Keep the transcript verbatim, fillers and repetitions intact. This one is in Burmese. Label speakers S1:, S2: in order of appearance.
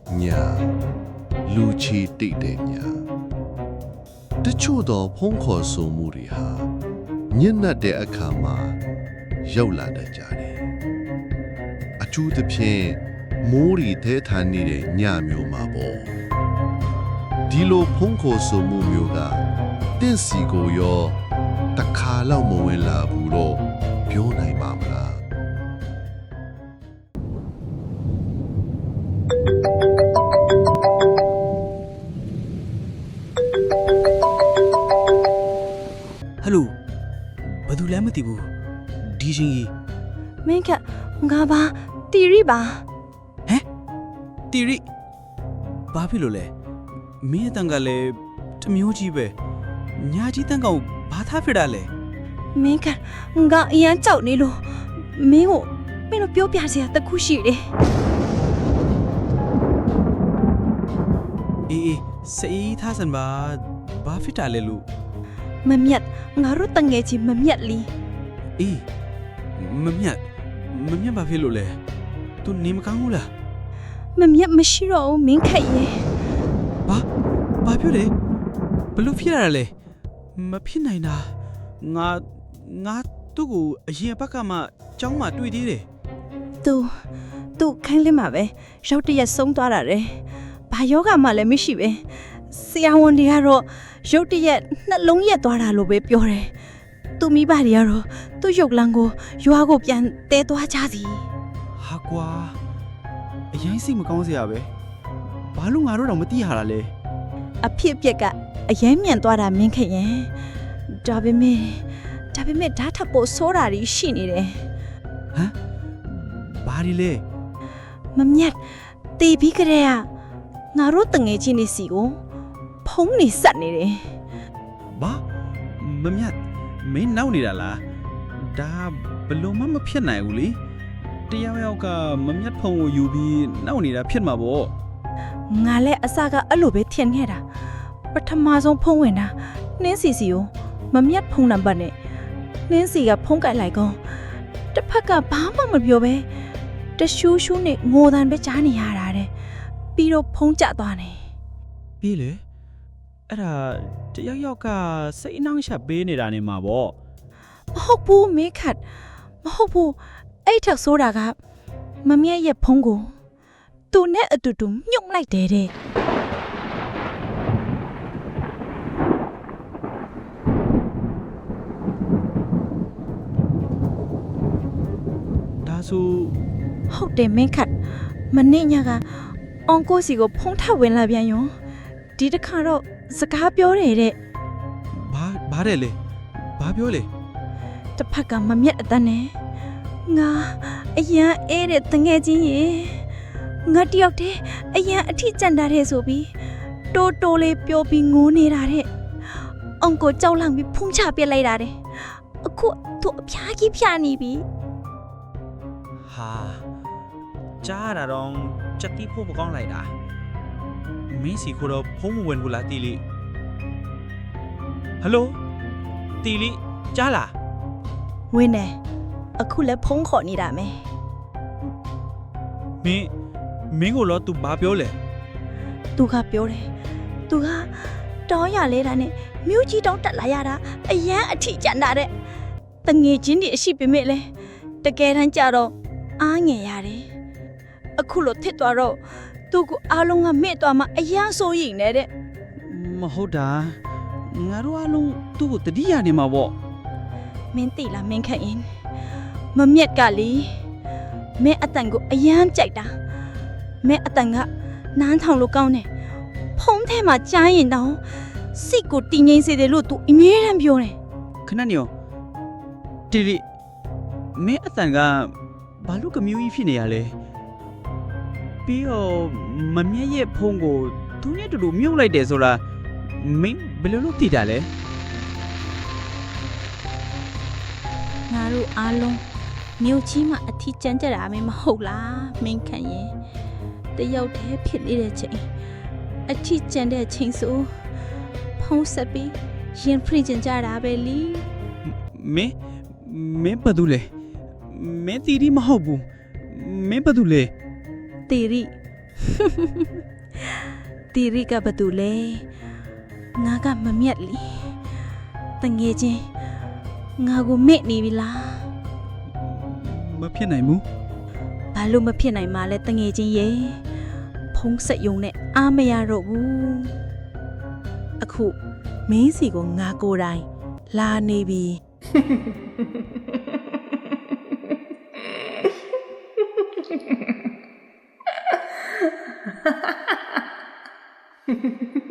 S1: ညာလူချီတိတ်တဲ့ညာတချို့သောဖုံးခေါ်ဆိုမှုတွေဟာညံ့နှက်တဲ့အခါမှာရောက်လာတတ်ကြတယ်အထူးသဖြင့်မိုးရီသေးထန်နေတဲ့ညမျိုးမှာပေါ့ဒီလိုဖုံးခေါ်ဆိုမှုမျိုးကတင့်စီကိုရောတခါလောက်မဝင်လာဘူးတော့ပြောနိုင်ပါမလား
S2: ဟယ်လိုဘာသူလဲမသိဘူးဒီချင်းကြီး
S3: မင်းကငါပါတီရီပါ
S2: ဟမ်တီရီဘာဖြစ်လို့လဲမင်းအတန်ကလည်းတမျိုးကြီးပဲညာကြီးတန်ကောင်ဘာသားဖြစ်တာလဲ
S3: မင်းကငါအရန်ကြောက်နေလို့မင်းကိုမင်းတို့ပြောပြစရာတခုရှိတယ်
S2: အေးအေးစေးသားစံပါဘာဖြစ်တာလဲလို့
S3: မမြတ်ငါတို့တငယ်ချင်းမမြတ်လီ
S2: အေးမမြတ်မမြတ်ဘာဖြစ်လို့လဲ तू နေမကောင်းဘူးလား
S3: မမြတ်မရှိတော့ဘူးမင်းခက်ရဲ့
S2: ဘာဘာပြောလဲဘလို့ဖြစ်ရတာလဲမဖြစ်နိုင်တာငါငါသူ့ကိုအရင်ဘက်ကမှကျောင်းမှာတွေ့သေးတယ်
S3: သူသူခိုင်းလင်းမှာပဲရောက်တရက်ဆုံးသွားတာတဲ့ဘာယောဂမှလည်းမရှိပဲဆရာဝန်တွေကတော့ရုတ်တရက်နှလုံးရက်သွားတာလို့ပဲပြောတယ်သူမိဘတွေကတော့သူ့ရုပ်လန်းကိုရွာကိုပြန်တဲသွားကြသည်
S2: ဟာကွာအရင်စိတ်မကောင်းစရာပဲဘာလို့ငါတို့တော့မသိရတာလဲ
S3: အဖြစ်အပျက်ကအရင်မြန်သွားတာမင်းခက်ရင်ဒါပေမဲ့ဒါပေမဲ့ဓာတ်ထပ်ဖို့ဆိုးတာတွေရှိနေတယ်
S2: ဟမ်ဘာဒီလဲ
S3: မမြတ်တေပြီးကြတဲ့ကငါတို့တငယ်ချင်းတွေစီကိုဖုံးနေဆက်နေတယ်
S2: ဘာမမြတ်မင်းနောက်နေတာလားဒါဘလို့မှမဖြစ်နိုင်ဘူးလေတယောက်ယောက်ကမမြတ်ဖုံကိုယူပြီးနောက်နေတာဖြစ်မှာပေါ့
S3: ငါလည်းအစကအဲ့လိုပဲထင်ခဲ့တာပထမဆုံးဖုံးဝင်တာနှင်းစီစီကိုမမြတ်ဖုံးနံပါတ်နဲ့နှင်းစီကဖုံးကြိုက်လိုက်ကောတစ်ဖက်ကဘာမှမပြောပဲတရှူးရှူးနဲ့ငိုတန်ပဲကြားနေရတာတဲ့ပြီးတော့ဖုံးကျသွားတယ်
S2: ပြီးလေအဲ့ဒါတယောက်ယောက်ကစိတ်အနှောင့်အယှက်ပေးနေတာနေမှာပေါ့
S3: မဟုတ်ဘူးမေခတ်မဟုတ်ဘူးအဲ့ထက်ဆိုးတာကမမြတ်ရဲ့ဖုံးကိုသူနဲ့အတူတူမြုပ်လိုက်တယ်တဲ့
S2: ဒါဆို
S3: ဟုတ်တယ်မင်းခတ်မနေ့ညကအွန်ကိုစီကိုဖုံးထပ်ဝင်လာပြန်ရောဒီတစ်ခါတော့စကားပြောတယ်တဲ့
S2: ဘာဘာတဲ့လေဘာပြောလေ
S3: တစ်ဖက်ကမမြတ်အတန်းနဲ့ငါအရန်အေးတဲ့တငယ်ချင်းရေငါတယောက်တည်းအရန်အထီးကျန်တာတဲ့ဆိုပြီးတိုးတိုးလေးပြောပြီးငိုနေတာတဲ့အွန်ကိုကြောက်လန့်ပြီးဖုံးချပြစ်လိုက်တာတဲ့အခုသူအဖျားကြီးဖျားနေပြီ
S2: ဟာကြားရတာတော့စက်တီးဖို့မကောင်းလိုက်တာမင်းစီကိုတော့ဖုံးမဝင်ဘူးလားတီလီဟယ်လိုတီလီကြားလား
S3: ဝင်းနေအခုလည်းဖုံးခေါ်နေတာမယ်
S2: မင်းမင်းကိုတော့ तू ဘာပြောလဲ
S3: သူကပြောတယ်သူကတောင်းရလဲတာနဲ့မြို့ကြီးတောင်းတက်လာရတာအရန်အထီးကျန်တာတဲ့တငယ်ချင်းတွေအရှိပေမဲ့လဲတကယ်တမ်းကြတော့အားငယ်ရတယ်အခုလို့ထစ်သွားတော့သူကအားလုံးကမဲ့သွားမှအရန်ဆိုးရင်နေတဲ့
S2: မဟုတ်တာငါတို့အလုံးသူ့ကိုတတိယနေမှာပေါ့
S3: မင်းသိလားမင်းခန့်ရင်မမြက်ကလေမင်းအတန်ကိုအရန်ကြိုက်တာမင်းအတန်ကနန်းထောင်လို့ကောင်းတယ်ဖုံးထဲမှာကြားရင်တောင်စိတ်ကိုတည်ငြိမ်စေတယ်လို့သူအမြဲတမ်းပြောတယ်
S2: ခဏနေရောတီလီမင်းအတန်ကဘာလို့ကမျိုးကြီးဖြစ်နေရလဲပြီးတော့မမြတ်ရဲ့ဖုံးကိုသူနဲ့တူတူမြုပ်လိုက်တယ်ဆိုတာမင်းဘယ်လိုလုပ်သိတာလဲ
S3: ငါတို့အားလုံးမြို့ကြီးမှာအထီးကျန်ကြတာမင်းမဟုတ်လားမင်းခန့်ရင်တယောက်တည်းဖြစ်နေတဲ့ချိန်အထီးကျန်တဲ့ချိန်ဆိုဖုံးဆက်ပြီးရင်ဖရိကျင်ကြတာပဲလी
S2: မင်းမင်းဘာလုပ်လဲမင်းတီတီမဟုတ်ဘူးမင်းဘာလုပ်လဲ
S3: တေရီတီရီကဘာတူလဲငါကမမြတ်လီတငယ်ချင်းငါကိုမေ့နေပြီလား
S2: မဖြစ်နိုင်ဘူး
S3: ဘာလို့မဖြစ်နိုင်မှာလဲတငယ်ချင်းရေဖုံးဆက်ယုံနဲ့အားမရတော့ဘူးအခုမင်းစီကိုငါကိုယ်တိုင်လာနေပြီ
S4: Ha ha ha ha.